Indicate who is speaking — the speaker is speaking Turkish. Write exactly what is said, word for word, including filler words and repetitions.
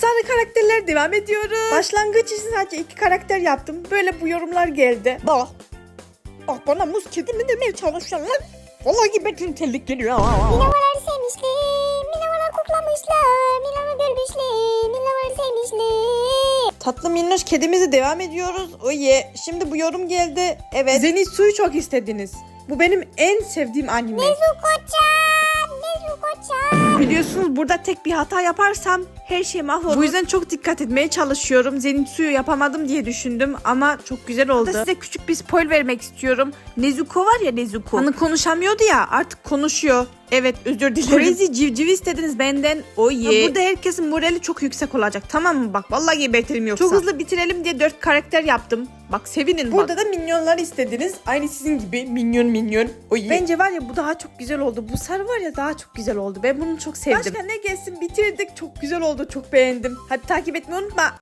Speaker 1: Efsane karakterler devam ediyoruz. Başlangıç için sadece iki karakter yaptım. Böyle bu yorumlar geldi.
Speaker 2: Bak. Bak bana muz kedi mi demeye çalışıyorsun lan? Vallahi betin tellik geliyor.
Speaker 3: Minavaları sevmişler, minavalar koklamışlar, minavaları görmüşler, minavaları sevmişler.
Speaker 1: Tatlı minnoş kedimizi devam ediyoruz. O ye. Şimdi bu yorum geldi. Evet. Zenitsu'yu çok istediniz. Bu benim en sevdiğim anime.
Speaker 3: Nezuko-chan, Nezuko-chan.
Speaker 1: Biliyorsunuz burada tek bir hata yaparsam her şey mahvolur. Bu yüzden çok dikkat etmeye çalışıyorum. Zenitsu'yu yapamadım diye düşündüm ama çok güzel oldu. Size küçük bir spoil vermek istiyorum. Nezuko var ya Nezuko. Hani konuşamıyordu ya, artık konuşuyor. Evet, özür dilerim. Crazy civciv istediniz benden. O ye. Burada herkesin morali çok yüksek olacak, tamam mı? Bak vallahi gebertirim yoksa. Çok hızlı bitirelim diye dört karakter yaptım. Bak sevinin. Burada bak. Da minyonlar istediniz. Aynı sizin gibi minyon minyon. O ye. Bence var ya bu daha çok güzel oldu. Bu sarı var ya daha çok güzel oldu. Ben bunu çok sevdim. Başka ne gelsin bitirdik. Çok güzel oldu. Çok beğendim. Hadi takip etmeyi unutma.